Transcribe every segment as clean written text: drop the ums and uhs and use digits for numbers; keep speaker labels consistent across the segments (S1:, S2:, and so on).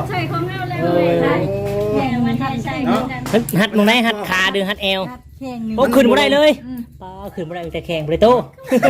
S1: ใส่ของเราเลยใช่แข่งมันใช่
S2: หัดมึงได้หัดขาดึงหัดเอวโอ้ขึ้นบ่ได้เลยป้าขึ้นบ่ได้แต่แข่งบ่ได้โต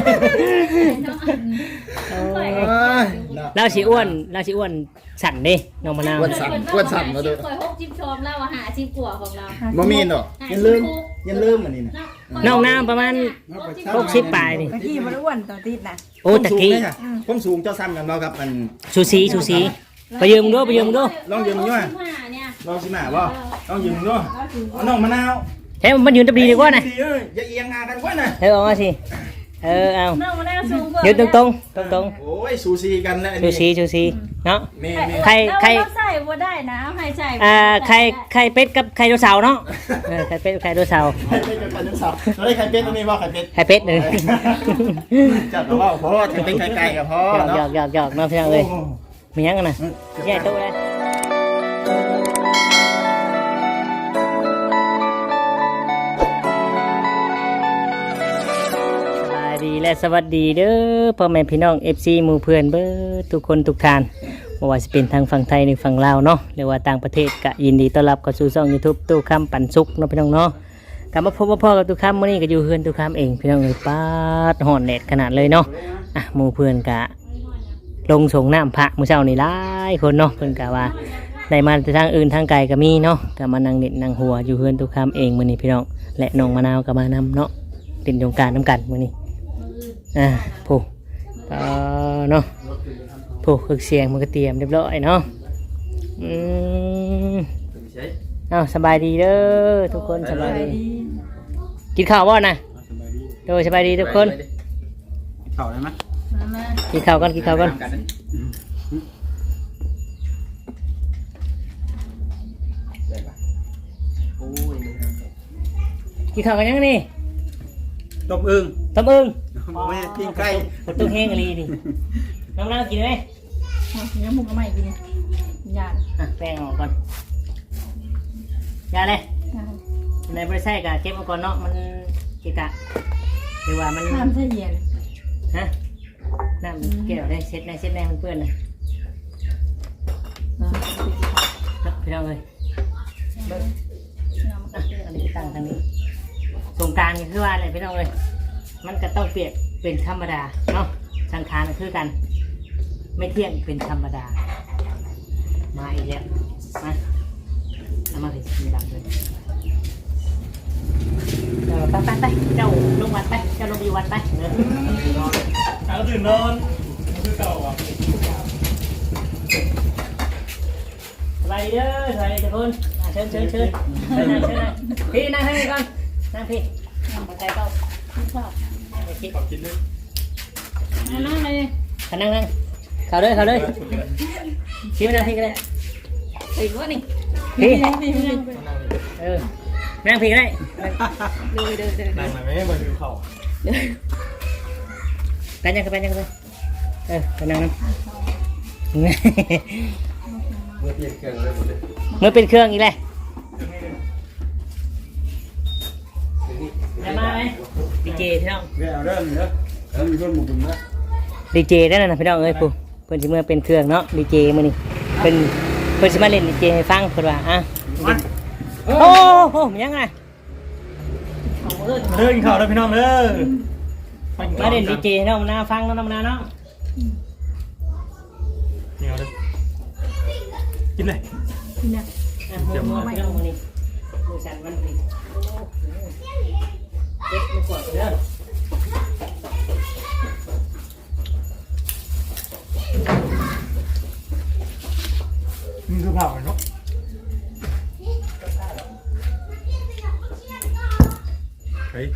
S2: เราสิอ้วนสั่นดิน้องมะนาว
S3: อ้วนสั่นมาดู
S1: คอย60ชมเราหา10กว่าของเรา
S3: บ่มีเนาะยันลืมอันนี้น่ะ
S2: น้องน้ำประมาณ60ปลายนี่
S4: ตะกี้บ่ได้อ้วนต่อติดน่ะ
S2: โอ้ตะกี้
S3: ผมสูงเจ้าซ้ำกันบ่ครับมัน
S2: ชูสีไปยืมดู
S3: ลองยืมด้วยลองสิมาบ่ลองยืมด้วยน้องมะนาว
S2: เฮ้ยมันยืนตะบีดีกว่าน่ะ
S3: อย่าเอียงงากันกว่าน่ะ
S2: เอามาสิเอา
S1: น้องมาแล้วสูงกว่า
S2: ยืนตรง
S3: โอ้ยสูสีกันแล้ว
S2: ชูสีเนาะ
S3: ใคร
S1: ใส่บ่ได้นะให้ใส่
S2: ไข่เป็ดกับไข่โดเสาร์เนาะไข่เป็ดไข่โดเสาร์
S3: ไข่เป็ดกับไข่เสาร์เราได้ไข่เป็ดตรงนี้ว่าไข่เป็ด
S2: ไข่เป็ดเลย
S3: จัดตัวว่าเพราะว่าไข่เป็ดไข่ไก่กับพ่อเนาะ
S2: หยอกน้องพี่น้องเลยมียังกันนะแย่โตเลยดีและสวัสดีเด้อพ่อแม่พี่น้อง FC หมู่เพื่อนเบิดทุกคนทุกท่านไม่ว่าจะเป็นทางฝั่งไทยหรือฝั่งลาวเนาะหรือว่าต่างประเทศก็ยินดีต้อนรับเข้าสู่ช่อง YouTube ตู้คำปันสุกเนาะพี่น้องเนาะกลับมาพบกับพ่อกับตู้คำมื้อนี้ก็อยู่เฮือนตู้คำเองพี่น้องเลยปาดห่อนแดดขนาดเลยเนาะหมู่เพื่อนก็ลงส่งน้ำพระมื้อเช้านี่หลายคนเนาะเพิ่นก็ว่าได้มาทางอื่นทางไกลก็มีเนาะก็มานั่งเด็ดนั่งหัวอยู่เฮือนตู้คำเองมื้อนี้พี่น้องและน้องมะนาวก็มานำเนาะเป็นสงกรานต์น้ำกันมื้อนี้ผู้เนาะผู้เครื่องเสียงมันก็เตรียมเรียบร้อยเนาะสบายดีเด้อทุกคนสบายดีกินข้าวบ่นะโดยสบายดีทุกคน
S3: ข้าวได้ไหม
S2: กินข้าวกันกินข้าวกันกินข้าวกันยังนี่
S3: ต้มอึ่งไม่ปิ้งไก่
S2: ประตูแห้งอะไรดิน้ำกินไหม
S4: เนื้อหมูก็ไม่กินยา
S2: แป้งออกก่อนยาเลยในบริษัทก็เก็บมาก่อนเนาะมันกิกะหรือว่ามัน
S4: น้ำใส่เย็น
S2: ฮะน้ำเกี่ยวได้เช็ดได้มันเปื้อนเลยพี่น้องเลยอันนี้ตั้งทางนี้สงการคือว่าอะไรพี่น้องเลยมันก็ต้องเปรียบเป็นธรรมดาเนาะสังขารคือกันไม่เที่ยงเป็นธรรมดามาอีกแล้วมาเอามาสิดังเลยไปเจ้าลงวัดไปเจ้าลงอยู่วัดไปเนอะ
S3: เอาตื่นนอนคือเก่าอ่ะ
S2: สบายดีเด้อสบายดีทุกคนเชิญนั่งพี่นั่งให้ก่อนนั่งพี่มาใจเก้า
S3: ขอกินด้วย
S1: นั่งเลย
S2: นั่งเข้าเลยชี้มาพี่ก็ได้
S1: อีกว่านี่
S2: พี่นั่งพี่ก็ได้
S1: เดิน
S3: นั่งมาไม่ให้มาดูเขา
S2: ไปยังไปนั่งนะ
S3: เมื่อเปลี่ยนเครื่องเลยหมดเลย
S2: เมื่อเป็นเครื่องอีกเลยจะมาไหมดีเจพี่น้อง
S3: เอาเริ่มเนอะแล้วมีคนหมู่บุญนะ
S2: ดีเจได้นะพี่น้องเอ้ยปู่เพิ่นสิเมื่อเป็นเครื่องเนาะดีเจมื้อนี้เพิ่นสิมาเล่นดีเจให้ฟังเพิ่นว่าโอ้โหมันยังไง
S3: เรื่องข่าวแล้วพี่น้องเด้อ
S2: มาเล่นดีเจเนาะมาฟังเนาะมาเนาะ
S3: นี่เอาเลยกินเลย
S2: เดี๋ยวมาพี่น้องมื้อนี้มื้อสันวันนี้เด็กมาก่อนเด้อ
S3: นี่คือเผาเนาะเฮ้ย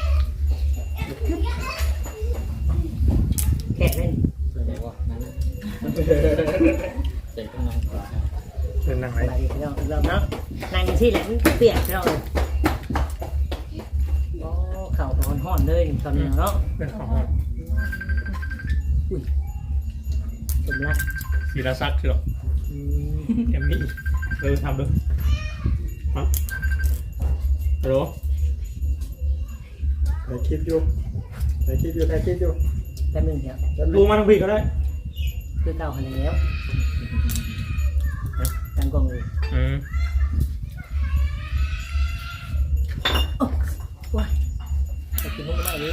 S2: แค่เล่น
S3: เจ๋งว่ะนั่นเจ๋งต้องนั่งขวาเป็นนั่งไหน
S2: พี่น้องเริ่มเนาะนั่งที่แหละมันเปียกพี่น้องโอ้เข่าห่อนเลยตอนนี้เนาะ
S3: เป็นของ
S2: สมรัก
S3: ศิลศักดิ์เชียวเอ็มมี่ทำด้วยฮัลโหลถ่ายคลิปอยู่แป๊บนึงเดี๋ยว
S2: ดู
S3: มาทางพี่ก็ได้
S2: คือเก่าหันแล้วองเลย
S4: ว้าย
S2: จะกินมุกมากเลย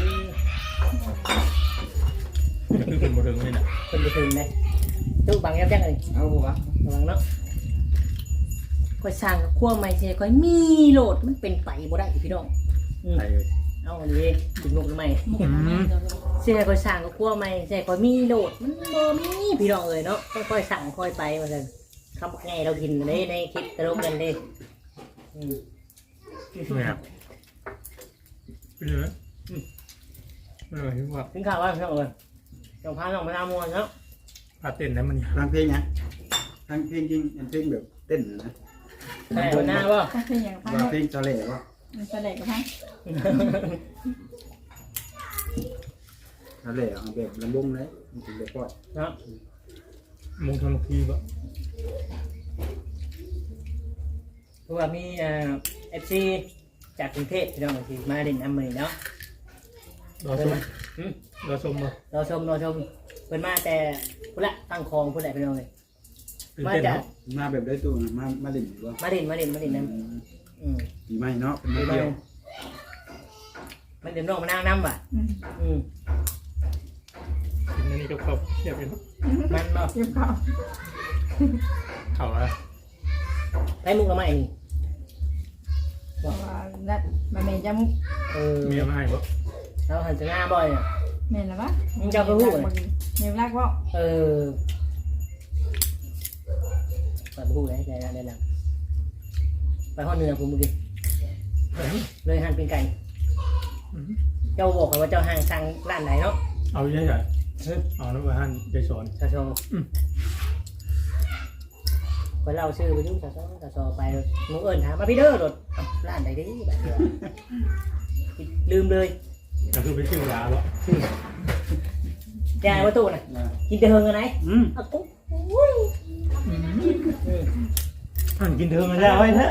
S3: มันคือเป็นบทเรียนนี่นะ
S2: คนไปถึงเลยตู้บังยับยั้งเลย
S5: เอาวะ
S2: ระวังเนาะคอยสั่งขั้วไม่ใช่คอยมีโหลดมันเป็นไปบ่ได้พี่น้องอืม
S3: ใช่เลย
S2: เอาอันนี้กินมุกหรือไม่เสียคอยสั่งขั้วไม่ใช่คอยมีโหลดมันบ่มีพี่น้องเลยเนาะต้องคอยสั่งคอยไปมาเลยคำบอกไงเรากินในคลิปตลกกันเลยอืม
S3: ไม่ครับเป็นยังไงไม่รู้ที่ว่า
S2: ถึงข่าวว่าพี่น้องเลยจงพาน้องมาทำมวนเนาะ
S3: พาเต้นแล้วมัน
S5: ฟังเพลงนะฟังเพลงจริงเป็นเพลงแบบเต้นนะ
S2: ใช่วันหน้าป่ะ
S4: ถ้าเป็นอย่างพัง
S5: ว่าเพลงทะเลวะ
S4: มันแสดงกับพัง
S5: ทะเลเอาแบบลำบงเลยมันถึงแบบปล่อย
S2: เนาะ
S3: มงทำทีแบบ
S2: เพราะว่ามีFC จากกรุงเทพพี่น้องที่มาเล่นน้ำมือเนาะ
S3: รอชมรอชมป่ะ
S2: รอชมเพิ่นมาแต่พุ่นละตั้งคลองพุ่นแหละพี่น้องเลย
S3: ตื่น
S2: มา
S3: เต้น
S2: จาก
S3: เนาะ
S5: มาแบบได้ตู้นะมาเล่นอยู่วะ
S2: มาเล่นน้ำ
S5: ปีใหม่เนาะเป็นมาเที่ยว
S2: มันเดี๋ยวน้องมานั่งน้ำว่ะ
S4: อืม
S3: กินอันนี้ก็เข้าเทียบกันเนาะ
S2: มันบ่
S4: เก็บข้าว
S3: เข่าอะ
S2: ได้มุกละไม่นี่
S4: เพราะว่านัดมาเมย์จะมุก
S3: เมียมาให้ป่ะ
S2: เราหันจะหน้าบ่อยอ่ะ
S4: เมย์นะวะ
S2: มึงจะเอาไปพูดเหรอ
S4: เมย์รักว่า
S2: ไปพูดได้ได้แล้วไปห้องเนื้อผมเมื่อกี้เลยหั่นเป็นไก่เจ้าบอกว่าเจ้าห่างสั่งร้านไหนเนาะ
S3: เอาใหญ่ใหญ่เอาแล้วมาหั่นใจสอน
S2: ชาโชไปเล่าชื่อไปยุ่งชาโชไปมึงเอิญถามมาพี่เด้อรถร้านไหนดิแบบลืมเลย
S3: ก็คือไปชื่อยาป่ะ
S2: ยายว่าตู้น่ะกินแต่เฮงกันไหน
S5: Ừ.
S2: ตุ๊ก
S3: หั่นกินเธอมาแล้วไอ้แท้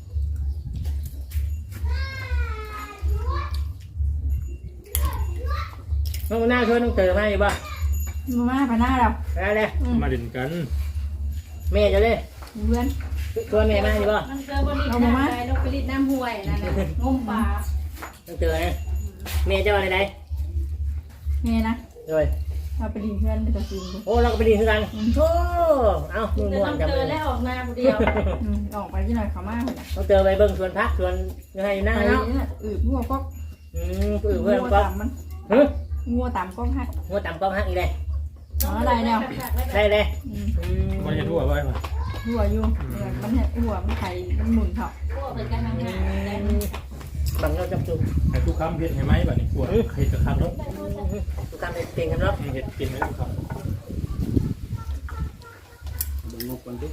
S2: น้องหน้าช่วยน้องเต๋อมาอยู่ป่ะ
S4: มาไปหน้าเรา
S2: ได้เลย
S3: มาเด่นกัน
S2: แม่จะเลย
S4: เพื่อน
S2: ชวนแม่มาอยู่ป่ะ
S1: มันเจอบริษัทอะไรนกผลิตน้ำห้วยนั่นน่ะงมปลา
S2: น้องเต๋อนะแม่จะมาไหน
S4: เมย์นะ
S2: ด้วย
S4: เราไปดีเพื่อนไปตัดสินดู
S2: โอ้เราก็ไปดีกันโอ้เอ้ามึง
S1: จะ
S2: ม่ว
S1: ต้
S2: น
S1: อง
S2: จับ
S1: เจ
S2: เล
S1: อย แล้วออกมาผู้เดียว
S4: ออกไปที่หน่อยเขามากเลย
S2: น้องเต๋อไปเบิ่งสวนพักสวนยังไงอยู่หน้า
S4: ไป
S2: เนาะ
S4: นี่พวกก็
S2: เพื่อน
S4: งัว
S2: ก็
S4: ต่ำมัน
S2: ฮึ
S4: งัวต่ำก็หัก
S2: หัวต่ำก็หักอีกเลย
S4: ได้แล้ว
S2: ได้เลย
S3: มันจะทั่วไปป่ะ
S4: หัวอยู่มันหัวมันไข่มันหมุนเถาะ
S1: พวกเป็นการทำงานแต่
S2: บังเราจับจุก
S3: ไอ้ทุกคำเห็ดให้ไหมแบบนี้ปวดเห็ดกับคำเนาะ
S2: ทุกการเป็นเก่งกันเนาะ
S3: เห็ดกินไหมทุกคำ
S5: เบิ่งงบกันดิ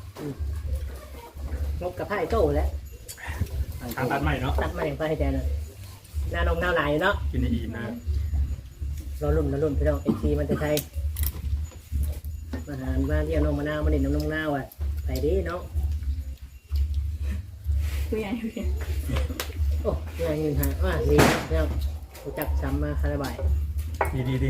S2: งกกับไพ่โต้แล้ว
S3: ทางตัดใหม่เนาะ
S2: ตัดมาอย่างไพ่แทนเลยหน้านมหน้าไหลเนาะ
S3: กินในอิ่มนะ
S2: เราลุ่นพี่น้องFC มันจะใช้มาหารมาเที่ยวนมมะนาวมาเด่นน้ำนมนาวอ่ะไปดิเนาะ
S4: คือไง
S2: โอ้ยเงินหาว่าดีแล้วรู้จักซ้ำมาคาราบาย
S3: ดี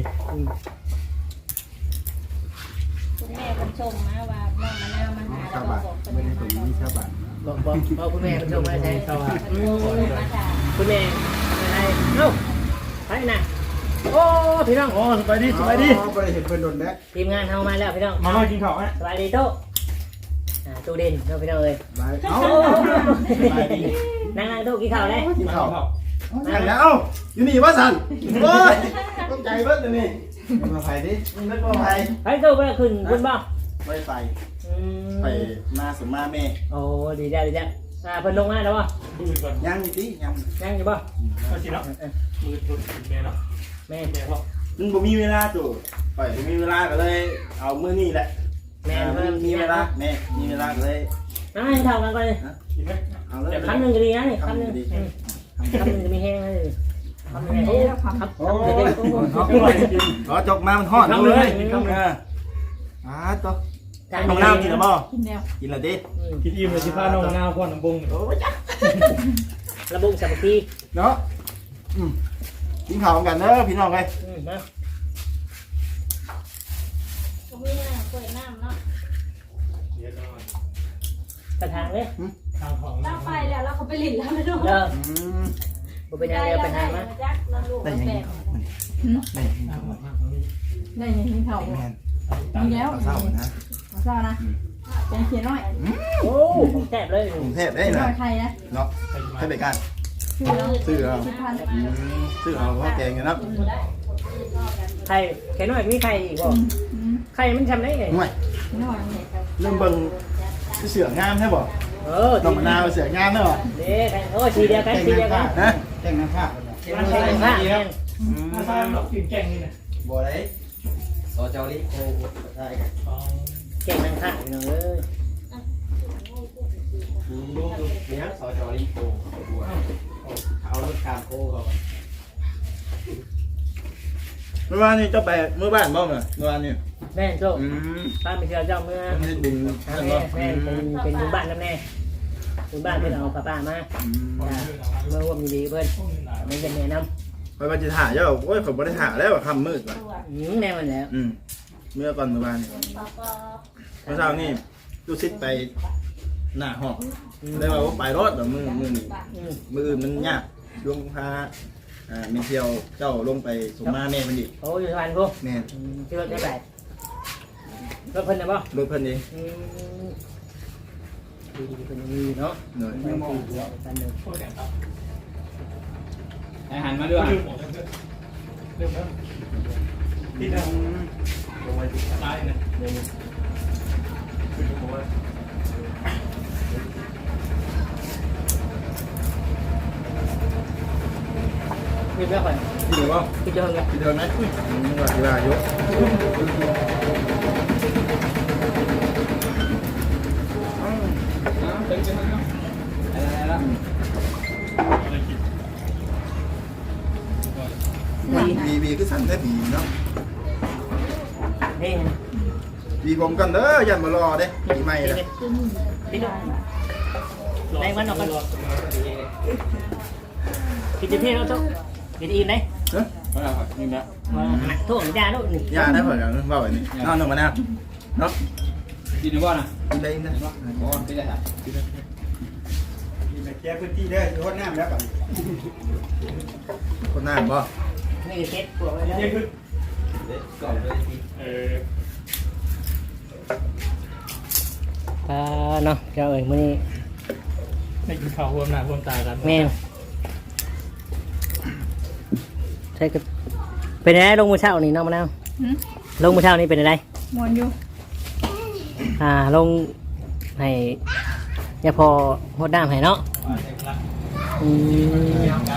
S1: คุณแม่คนชมนะว่าน้องมะนาวมาหา
S5: ชา
S1: แล้ว
S5: บา
S1: ก็
S5: ท
S1: บอกเป็น
S5: ไม่ได้
S1: มา
S5: ถึง
S1: บอก
S5: มีชาบาท
S2: บอกคุณแม่คุณชมมาใช่
S3: ๆเท่าไหร่
S1: มาด่า
S2: คุณแม่อะไรเอ้าไปนะโอ้พี่น้อง
S3: โอ้สบายดี
S5: อ๋อบ่ได้เห็นเพิ่นโดนแดก
S2: ทีมงานเฮามาแล้วพี่น้อง
S3: มากินข้าวฮะ
S2: สบายดีโต๊ะตู้เด่นเนาะพี่น้องเอ้ย
S5: บายเอ้า
S2: นั่งโต๊ะกินข้าวเลย
S5: กินข้าวนั่งแล้วเอ้าอยู่นี่ว่าสั่นโอ้ยต้องใจเบิดเลยนี่มาไผดินึกว่าไผ
S2: ไปโต๊ะไปขึ้นคุณบ่
S5: ไปไปมาสมมาแม่
S2: โอ้ดีแล้วเพิ่นลงมาแล้วบ่
S3: ดูก่อน
S5: ยังอยู่ติยัง
S2: นั่งอยู่บ่
S3: มาสิเนาะมือตุ่นแม่เนาะ
S2: แม่
S3: แม่พ่อ
S5: มันบ่มีเวลาตู่ไปบ่มีเวลาก็เลยเอามื้อนี้แหละ
S2: แม่
S5: มันมีเวลาแม่มีเวลาก็เลย
S2: นั่งให้เท่ากันก่อนเลย
S3: กินไหม
S5: เอาเลย
S2: คำหนึ่งก็ดีนะนี่คำหนึ่งคำหนึ่งจะมีแห้งเลยคำหนึ่งโอ้คำ
S5: โอ้ยขอจกมามันฮอดเลยตัวน้องน้ำกินแล้วบ่
S4: กินแล้ว
S5: กินแล้วดิ
S3: กินอิ่มเลยสิพาน้องมะนาวพ่อน้ำบง
S5: โอ้ยจ้ะ
S2: ระบุสัมผัส
S5: เนาะกินข้าวกันเด้อพี่น้องเอ้ย
S2: นะ
S1: ก็มีน้ำเปิดน้ำเนาะ
S3: เดี๋ยว
S2: กระทางเลย
S3: ทางของ
S1: ตั้งไปแล้วเราเขาไปหลินแล้วไม่รู้
S2: เลิก
S5: อืม
S2: บ่เป็นยังไงไปหามา
S1: จักเราลูก
S5: ได้ยังไงครับได้ยังไง
S3: ทาง
S5: ครับ
S3: ของนี้
S4: ได้ยังมีเท่า
S5: แม่น
S4: มีแล้ว
S5: เศร้านะ
S4: เศร้านะเป็นเขียนน้อย
S2: โอ้ผมแซ่บเลย
S5: กรุงเทพได้
S4: เขียน
S5: นะ
S4: น้อยใครนะ
S5: เนาะให้ไปกัน
S4: ชื่อแล้ว
S5: ซื้อเอา
S4: พัน
S5: ซื้อเอาว่าแกงเนาะ
S2: ไข่แค่น้อยมีไข่อีกบ่ไข่มันทำได้ไง
S5: ห่วย
S4: น้อยเนี่ย
S5: เริ่มเบิ่งเสืองามใช่บ่
S2: เออ
S5: น้องมะนาวเสืองามเนาะ
S2: เด้ไข่โอ้สีเดียวกันสีเดียวกัน
S5: นะ
S6: แจ้งน้ำผ้า
S2: มันเป็นผ้าแม่น
S3: มาทางเรากินแกงนี่นะ
S6: บ่ได้สเจ้าลิโกใช่ครับ
S2: เก่งนางผ้าพี่น้องเอ้ย
S6: ลูกเนี่ยสเจ้าลิโกเอารถการโคเขา
S5: เมื่อวานนี้เจ้าไปเมื่อบ้านบ่เมื่อวานนี้
S2: แม่นโชคป้าไปเที่ยวเจ้าเมื่อ
S5: ไม่ได้บุญ
S2: แม่
S5: นั่นบ่
S2: แม่เป็นบุญบ้านนะแม่บุญบ้านเพื่อนเอาป้ามาเมื่อว่ามีดีเพื่อนไม่เป็นแนะน
S5: ไปบัญชีถ่ายเจ้าโอ้ยผมบ่ได้ถ่ายแล้วค่ำมืดว่ะ
S2: ำแน่มันแล้ว
S5: เมื่อก่อนเมื่อวานนี้เมื่อเช้านี่ลูกศิษย์ไปหน้าห้องได้ว่าไปรถแบบมือนี่มืออื่นมันยากช่วงพาเมเที่ยวเจ้าลงไปสมมาแม่มันดิ
S2: โอ้ยสวรรค์พวก
S5: แม่
S2: ที่รถได้ไหนรถเพิ่นนะบ่
S5: รถเพิ่นเอง
S2: ดีเพิ่นมีเนาะ
S5: หน่อย
S2: ไม่มองเดียวกันหนึ่ง
S3: โคตรแข็งครับ
S6: อาหารมาด้วย
S3: ลืมหมดเริ่มแล้วที่นั่งลงไปติดตายนะเดี๋ยวนี้ขึ้นหัว
S2: รีบแล้วก่อน
S5: ที่เดียวบ่
S2: พี่เจ้าไง
S5: ที่เดิมไหมว่าที่ว่าอยู่
S6: เต็มๆแล้วอะไรแล้ว
S3: อะไรกิน
S5: บีคือสั่นแท้บีเนาะ
S2: นี่
S5: บีผมกันเด้อยันมารอเด้ปีใหม่ละ
S2: พี่ดูในวันออกกันกินเที่ยวแล้วทุกกินอิ่มไหม
S5: เนาะ
S6: มาแล้วครับนี่นะ
S2: ทุกอย่างลูกนี่
S5: ยาได้เพิ่นกันว่าไว้นี่นอนลงมาแน่เนาะ
S6: กินหรือเปล่านะ
S5: กินได้นะ
S6: โอ้ไม่ได้ครับ
S5: กินได้
S6: กินแก้พื้นที่ได้ที่ห้องน้ำแล้วกัน
S5: คนหน้าบ่
S2: นี่เซ็ตปวดไว้แล้ว
S3: นี่คือ
S6: ก่อนเลย
S2: เนาะเจ้าเอ๋ยมื้อนี้
S3: ให้กินข้าวรวมหน้ารวมตากัน
S2: แม่ใช่ก็เป็นไงลงมือเช้านี่น้องมะนาวลงมือเช้านี่เป็นไง
S4: มวนอยู่
S2: ลงให้ยาพอหดน้ำให้เนาะ
S3: เด็กรัก
S6: ได้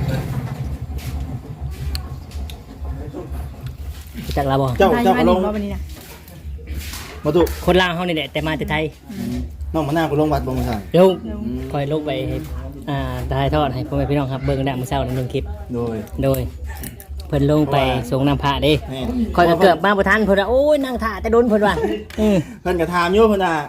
S2: จากลาบอ
S5: เจ้าก็ลง
S4: วันนี้นะ
S5: มาตุ
S2: คนล่างเขานี่แหละแต่มาแต่ไทย
S5: น้องมะนาวก็ลงวัดบ่มาสั่น
S2: ลงคอยลงไปให้ถ่ายทอดให้พ่อแม่พี่น้องครับเบิ่งได้มื้อเช้าใน1คลิป
S5: โดย
S2: โดยเพิ่นลงไปส่งน้ำพระเด้
S5: แม่
S2: คอยก็เกือบมาบ่ทันเพิ่นว่าโอ้ยนั่งท่าแต่โดนเพิ่นว่า
S5: เพิ่นก็ถามอยู่เพิ่นว่า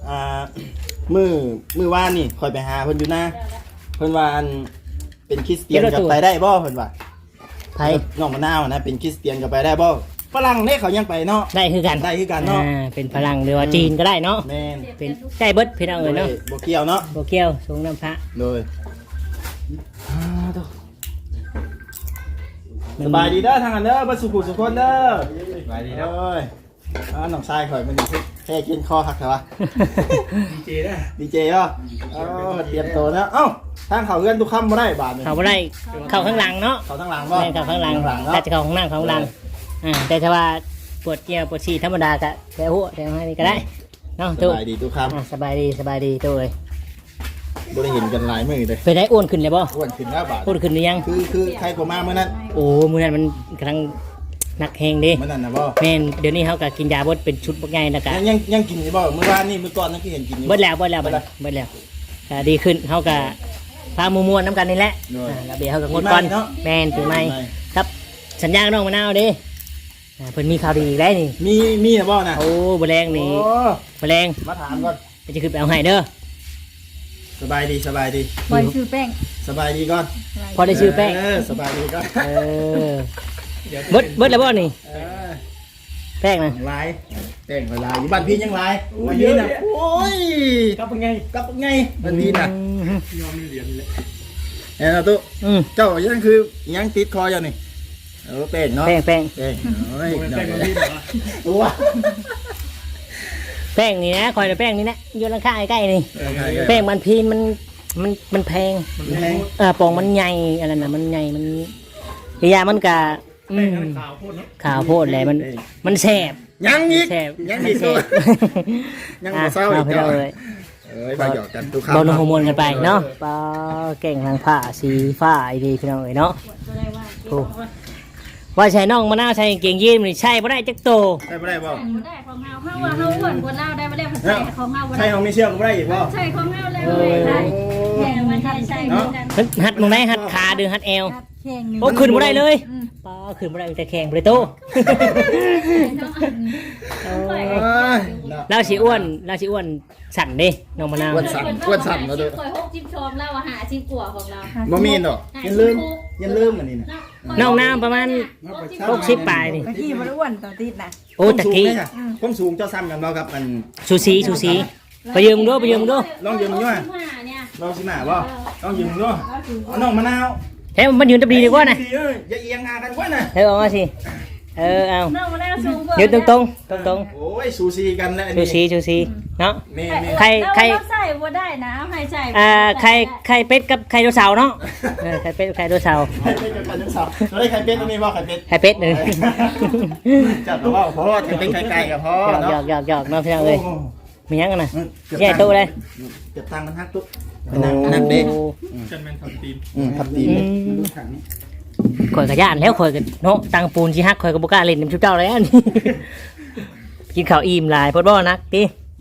S5: มื้อวานนี่ค่อยไปหาเพิ่นอยู่นะเพิ่นว่าอันเป็นคริสเตียนกับไปได้บ่เพิ่นว่า
S2: ไผ
S5: น้องมะนาวนะเป็นคริสเตียนกับไปได้บ่ฝรั่งเนี่ยเขายังไปเนาะ
S2: ได้คือกัน
S5: ได้คือกันเนาะ
S2: เป็นฝรั่งหรือว่าจีนก็ได้เนาะ
S5: แม่น
S2: เป็นได้เบิดพี่น้องเอ้ยเนาะ
S5: บ่เกี่ยวเนาะ
S2: บ่เกี่ยวส่งน้ำพระ
S5: โดยสบายดีเด้อทางนั้นเด้อบ่สุขุสุคนเด้อ
S6: ไปดี
S5: เอ
S6: แล้ว
S5: ้ยน้องชายข่อยมันแค่กินคอหักใช่ปะ
S3: ดีเจนะ
S5: ดีเจอ่ะเตรียมตัวนะเอ้าทางเขาเอื้อนทุกคำบ่ได้บาทนี่
S2: เขาบ่ได้เข้าข้างหลังเนาะ
S5: เขาทางหลังบ่
S2: แม่นเข้าข้างหลัง
S5: เนาะ
S2: แต่จะเข้าข้างหน้าเข้าข้างหลังแต่ถ้าว่าปวดเกี่ยวปวดฉี่ธรรมดาก็แต่หัวแต่ให้นี่ก็ได้เนาะ
S5: ส
S2: ตู้
S5: บายดีทุกค
S2: สบายดีตู้เอ้ย
S5: ำบ่ได้เห็นกันหลายมื้อเลย
S2: ไปได้อ้วนขึ้นเลยบ่
S5: อ้วนขึ้นแล้วบาท
S2: อ้วนขึ้นหรือยัง
S5: คือใครกว่ามาเมื่อนั้น
S2: โอ้มื้อนั้นมันกำลังหนักแฮงเด้
S5: เมื่อนั้นนะบ่
S2: แม่นเดี๋ยวนี้เฮาก็กินยาบดเป็นชุดบักใหญ่แล้วก็
S5: ยังกินอยู่บ่เมื่อวานนี่มื้อก่อนนั่นคือเห็นกินอยู่
S2: เบิดแล้วก็ดีขึ้นเฮาก็พาหมู่มวลน้ำกันนี่แหละแล้วเดี๋ยวเฮาก็งดก่อนแม่นปีใหม่ครับสัญญากับน้องมะนาวเด้เพิ่นมีข่าวดีอีกแล้วนี่
S5: มีนะบ่นะ
S2: โอ้แมลงนี่
S5: โอ้
S2: แมลง
S5: มาถามก่อน
S2: จะขึ้นไปเอาให้เด้อ
S5: สบายดี
S4: บอยชื่อแป้ง
S5: สบายดีก่อน
S2: พอได้ชื่อแป้ง
S5: สบายดีก่อน
S2: เบิดแล้วบ่นี่
S5: เออ
S2: แป้งนะ
S5: ลายแป้งลายอยู่บ้านพี่ยังลายบ้านพี่น่ะโอ้ย
S3: กับเป็นไง
S5: กลับไงบ้านพี่น่ะ
S3: ยอมเหรียญเลย
S5: เอ้ยตุ๊เจ้ายังคือยังติดคออยู่นี่แป้งเนาะ
S2: แป้ง
S5: แป้งโอ้ย
S3: โมเมนต์แต่งกับพี่เหรอ
S5: ตัว
S2: แป้งนี่นะคอยแป้งนี่นะอยู่ข้างๆใกล้ๆนี่แป้งมันพีนมันแพง
S5: มันแพง
S2: ปองมันใหญ่อะไรนะมันใหญ่มันยามันกะ
S3: แป้งนั้นขาวโคตรเนาะ
S2: ข่าวโพดเลยมันแสบ
S5: ยังอีก
S2: แสบ
S5: ยัง
S2: มั
S5: อี
S2: น
S5: ก
S2: แส
S5: ตัว
S2: บ
S5: ยังบ่เศร้าอีก
S2: เจ้า
S5: เจ้า
S2: เลย
S5: ไปหยอกกันทุกครั้ง
S2: บอลฮอร์โมนกันไปเนาะปลาเก่งทางผ้าสีฟ้าไอดีพี่น้องเอ๋ยเนาะ
S1: ก็ได้ว่า
S2: โอ้ว่าใช่น้องมะนาวใช่เก่งยีนนี่ใช่บ่ได้จักโต
S5: ได้บ่ได้บ่
S1: บ่ได้ของเฮาเฮาว่าเฮาอ้วนกว่าเราได้บ่ได้ภาษาของเฮาบ่
S5: ใช่
S1: ได้
S5: ของมีเชือกบ่ได้อีกบ่
S1: ใช่ของเฮาแล้วเลยใช่แม่มันใช่เหมือนกัน
S2: หัดมึงไหนหัดขาดึงหัดเอว
S4: แข่งหนึ่ง
S2: โอ้ขึ้นบ่ได้เลยปลาขึ้นบ่ได้มีแต่แข่งบ่ได้โต เราสิอ้วนสั่นเด้น้องมะนาว
S5: อ้วนสั่นมาดู
S1: คอย6จิ๊บชมเราหาจิ๊บกว่าของเรา
S5: บ่มีดอกยันลืมอันนี้น่ะ
S2: น้องน้ำประมาณ60ปลายนี่
S4: ตะกี้มันอ้วนตอนติดนะ
S2: โอ้ตะกี้
S5: ผมสูงเจ้าซ้ำกันบ่ครับมัน
S2: สูสีไปยืมดู
S5: ลองยืมอยู่อ่ะ
S1: เนี่ย
S5: ลองสิมาบ่ลองยืมดูเอาน้องมะนาว
S2: เฮ้ยมันยืนตะบีดีกว่านะ
S5: อย่าเอียงหากันกว่าน่ะ
S2: เฮ้ยออกมาสิเอา
S1: น้องมันได้สูงกว่า
S2: ยืนตรง
S5: โอ้ยสูสีกันแล้ว
S2: ชูสีเนาะ
S5: แม่
S2: ใคร
S1: เราใส่บ่ได้นะเอาให้ใส่
S2: ไข่เป็ดกับไข่โดเสาร์เนาะไข่เป็ดกับไข่โดเสาร์
S5: ใครเป็นกันทั้งสองเราได้ใครเป็นตรงนี้บ่ใครเป็น
S2: ไข่เป็ดหนึ่ง
S5: จับว่าพ่อจะเป็นไก่กับพ่อ
S2: หยอกเนาะพี่น้องเอ้ยมียังกันนะ
S5: ให
S2: ใหญ่โตเลย
S5: เก็บตังค์กันฮักตุ๊กนั่งเด้
S3: กันแมนทำทีม
S5: ทับตีน
S2: ข่อยกระยานแล้วข่อยกันเนาะตังปูนชีฮักข่อยกับบุกล้าเล่นน้ำชุบเจ้าแล้วนี่กินข้าวอิ่มหลายพอดบ่นักติ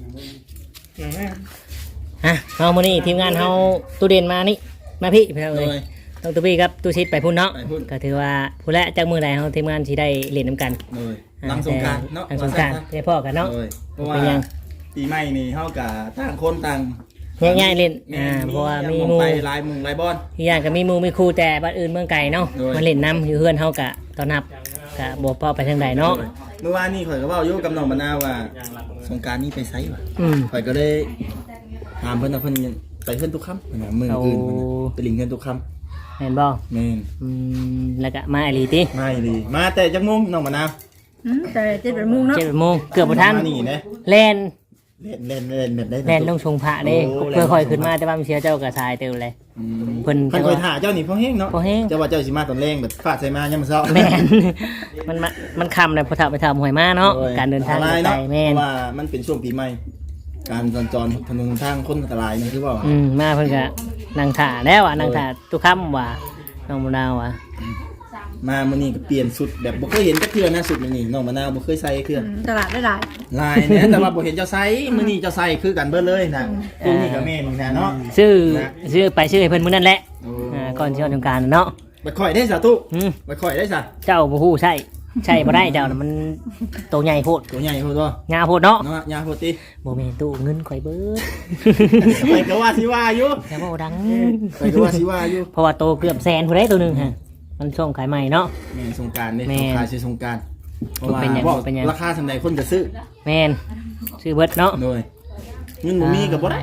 S2: เฮามื้อนี้ทีมงานเฮาตู้เด่นมานี่มาพี่พี่น้องเอ้ยต้องตู้พี่ครับตู้ชิดไปพุ่นเนาะก็ถือว่าผู้และจากมื้อใดเฮาทีมงานสิได้เล่นน้ำกัน
S5: หลังสงการเนาะ
S2: หลังสงกรานต์ได้พ่อกันเนาะ
S5: เพราะว่าปีใหม่นี่เฮากับต่างคนต่าง
S2: ง่ายๆเล่นเพราะว่ามีหมู่
S5: ไปลายลายบอล
S2: อีกอย่างก็มีหมู่มีครูแต่บ้านอื่นเมืองไกลเนาะ
S5: โดย
S2: มาเล่นน้ำอยู่เฮือนเฮากะตอนนับกะบ่พอไปทางใดเนาะ
S5: เมื่อวานนี่ข่อยก็เว้าอยู่กับน้องมะนาวว่าสงการนี้ไปไสวะ ข่อยก็เลยถามเพิ่นว่าเพิ่นไปเพิ่นทุกค่ำเพิ่นว่ามื้ออื่นเพิ่นน่ะไปลิงเพิ่นทุกค่ำ
S2: เห็นบ่
S5: แม่น
S2: แล้วก็มาอหลีติ
S5: ไม่ดีมาแต่จักโมงน้องมะนาว
S4: แต่7 โมงเนาะ
S2: 7 โมงเกือบบ่ทัน
S5: มานี่นะ
S2: แล่น
S5: เล่นแบบได้
S2: แล่นลงชงพระเด้
S5: โอ้
S2: เพื่อค่อยขึ้นมาแต่ว่ามันเสียเจ้าก็ทายเติมเลย เพิ่น
S5: เพิ่นคอยถ่าเจ้านี่พอแห้งเนาะ
S2: พอแห้ง
S5: เจ้าว่าเจ้าสิมาตอนแรงแบบฟาดใส่มายามมื้อเช้า
S2: แม่น มันคำเลยพอถามไปถามหวยมาเนาะการเดินทาง
S5: อัตรย
S2: ไกล
S5: เนาะ
S2: แม่น
S5: เพราะว่ามันเป็นช่วงปีใหม่การสัญจรถนนทางคนอันตรายนี่คือว่า
S2: มาเพิ่นก็นั่งถ่าแล้วอ่ะนั่งถ่าทุกค่ำว่าน้องมะนาวอ่ะ
S5: มามื้อนี้ก็เปลี่ยนสุดแบบบ่เคยเห็นจักเทื่อนะสุดมื้อนี้น้องมะนาวบ่เคยใส่เทื่อ
S4: ตลาดได้หลาย
S5: ลายเนี่ยแต่ว่าบ่เห็นเจ้าใส่มื้อนี้เจ้าใส่คือกันเบิดเลยนะตัวนี้ก็แม่นนี่นะเนาะ
S2: ซื้อไปซื้อให้เพิ่นมื้อนั่นแหละก่อนสิวันสงกรานต์เนาะ
S5: ไปข่อยได้ซะตุไปข่อยได้ซะ
S2: เจ้าบ่ฮู้ใช่บ่ได้เจ้าน่ะมันโตใหญ่โพด
S5: ตัวใหญ่โพดบ่
S2: งาโพดเนาะ
S5: เนาะยาโพดติ
S2: บ่แม่นตู้เงินข่อยเบิด
S5: ไปก็ว่าสิว่าอยู่
S2: แต่ว่าดัง
S5: ไปก็ว่าสิว่าอยู่
S2: เพราะว่าโตเกือบแสนพุ่นได้ตัวหนึงฮะมันช่วงขายใหม่เนาะ
S5: แม่นสงกรานต์นี่
S2: แม่น
S5: สงกรานต์สิสงกรานต์เพราะว่า
S2: เป็นหยัง
S5: บอก
S2: เป็นหยัง
S5: ราคาสำใดคนก็ซื้อ
S2: แม่นซื้อเบิดเนาะ
S5: โดยเงินบ่มีก็บ่ได้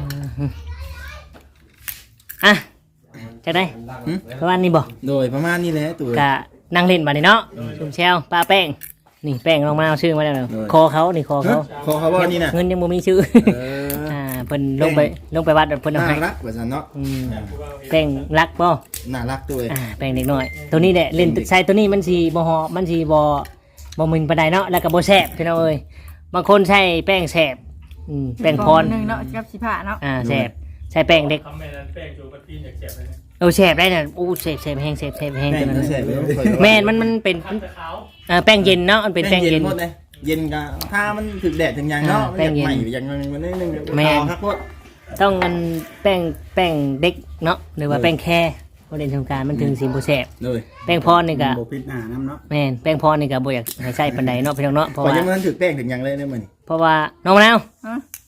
S2: อ่ะจังได๋ประมาณนี้บ่
S5: โดยประมาณนี้แหละตัว
S2: กะนั่งเล่นบัดนี้เนาะซุ่มแซวป้าแป้งนี่แป้งลงมาเอาชื่อมาแล้วเนาะคอเขานี่คอเขา
S5: ขอเขาว่านี่น่ะ
S2: เงินยังบ่มีชื่อ
S5: เออ
S2: เพิ่นลงไปวัดเพิ่นเอา
S5: น่า
S2: ให้
S5: รักว่าซั่นเนาะ
S2: แป้งรักบ่
S5: น่ารักตัวเอง
S2: แป้งเด็กน้อยตัวนี้แหละเล่นใช้ตัวนี้มันสิบ่หอมมันสิบ่มึนปานใดเนาะแล้วก็บ่แซ่บพี่น้องเอ้ยบางคนใช้แป้งแซ่บแป้งพร
S4: นึงเนาะกับสิผ้าเนาะ
S2: แซ่บใช้แป้งเด็ก
S3: ทำแม่นั้นแป้งจูบัตตี้อยากเจ็บเลยนะ
S2: แซ่บได้น่ะอู้แซ่บแห้งแซ่บแห้ง
S5: แม่
S2: ตัวนั้น
S5: นแซ่บเลย
S2: แม่นมันเป็น
S3: แต่ขาว
S2: แป้งเย็นเนาะมันเป็น
S5: แป้
S2: แป้
S5: ง
S2: ง
S5: เย็
S2: เย็
S5: น
S2: น
S5: หมดเลยเย็นก็ถ้ามันถึกแดดถึงยังเนาะ
S2: แป้งเย็น
S5: ใหม่อย่างมันนิดนึง
S2: แม่น
S5: ครับพด
S2: ต้องมันแป้งเด็กเนาะหรือว่าแป้งแค่บ่เล่นสงกรานต์มันถึงสิบ่แซ่บ
S5: เลย
S2: แป้งพรนี่ก็
S6: บ่ปิดหน้าน้ำเนาะ
S2: แม่นแป้งพรนี่ก็บ่อยากให้ใช้ปานใดเนาะพี่น้องเนาะเพราะ
S5: พอ
S2: ว่า
S5: ยังมันถึกแป้งถึงยังเลยเนี่ยมัน
S2: เพราะว่าน้องมะนาว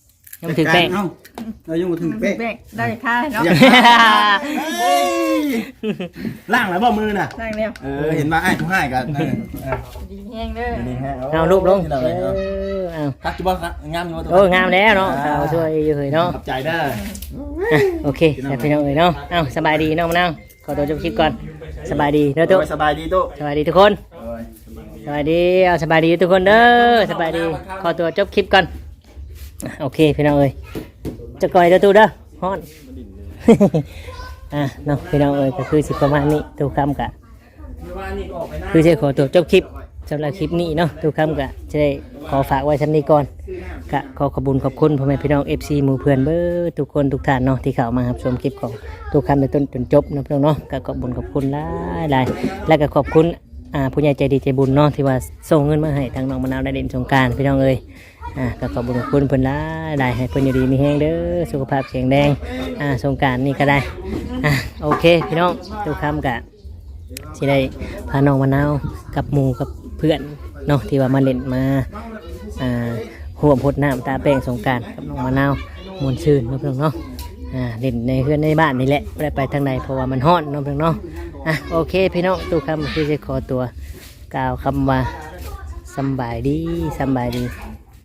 S2: ยังบ่ถึงแป้ง
S5: เอ้าเรายังบ่ถึงเป๊ะ
S4: แบกได้ค่าเนาะ
S5: เฮ้ยล่างแล้วบ่มือน่ะ
S4: นั่งเร็ว
S5: เห็นว่าไอ้ทุกให้กัน
S4: ดีแห้งเด้อ
S5: นี่ฮะ
S2: เอารูปลง
S5: เอา
S2: เอา
S5: คักจิบ่งามอยู่
S2: โอ้งามแล้วเนาะสาวช่วยอยู่เฮ้ยเนาะ
S5: ขอบใจเด้อ
S2: อ่ะโอเคแต่พี่น้องเอ้ยเนาะเอาสบายดีเนาะมะนาวขอตัวจบคลิปก่อนสบายดีเด้อตุ๊
S5: สบายดีตุ๊
S2: สบายดีทุกคนสบายดีเอาสบายดีทุกคนเด้อสบายดีขอตัวจบคลิปก่อนอ่ะโอเคพี่น้องเอ้ยจะก่อยเด้อตุ๊เด้อฮ้อน อ่ะเนาะพี่น้องเอ้ยก็คือสิประมาณนี้ทุกคำกะคือจะขอตัวจบคลิปสำหรับคลิปนี้เนาะทุกคำกะจะได้ขอฝากไว้ชั้นนี้ก่อนกะขอขอบคุณขอบคุณพ่อแม่พี่น้อง FC หมู่เพื่อนเบ้อทุกคนทุกท่านเนาะที่เข้ามารับชมคลิปของทุกคำในต้นจนจบนะพี่น้องเนาะก็ขอบคุณขอบคุณหลายๆและก็ขอบคุณผู้ใหญ่ใจดีใจบุญเนาะที่ว่าส่งเงินมาให้ทางน้องมะนาวได้เล่นสงกรานต์พี่น้องเอ้ยก็ขอบคุณขอบคุณเพิ่นหลายๆให้เพิ่นอยู่ดีมีแรงเด้อสุขภาพแข็งแรงสงกรานต์นี่ก็ได้โอเคพี่น้องทุกคำกะสิได้พาน้องมะนาวกับหมู่กับเพื่อนเนาะที่ว่ามาเล่นมาห่วมพดน้ำตาแป้งสงกรานต์กับน้องมะนาวมวนชื่นเนาะเพื่อนเนาะเล่นในเพื่อนในบ้านนี่แหละไม่ได้ไปทางไหนเพราะว่ามันฮ้อนเนาะเพื่อนเนาะโอเคพี่น้องทุกคำคือจะขอตัวกล่าวคำว่าสำบายดีสำบายดี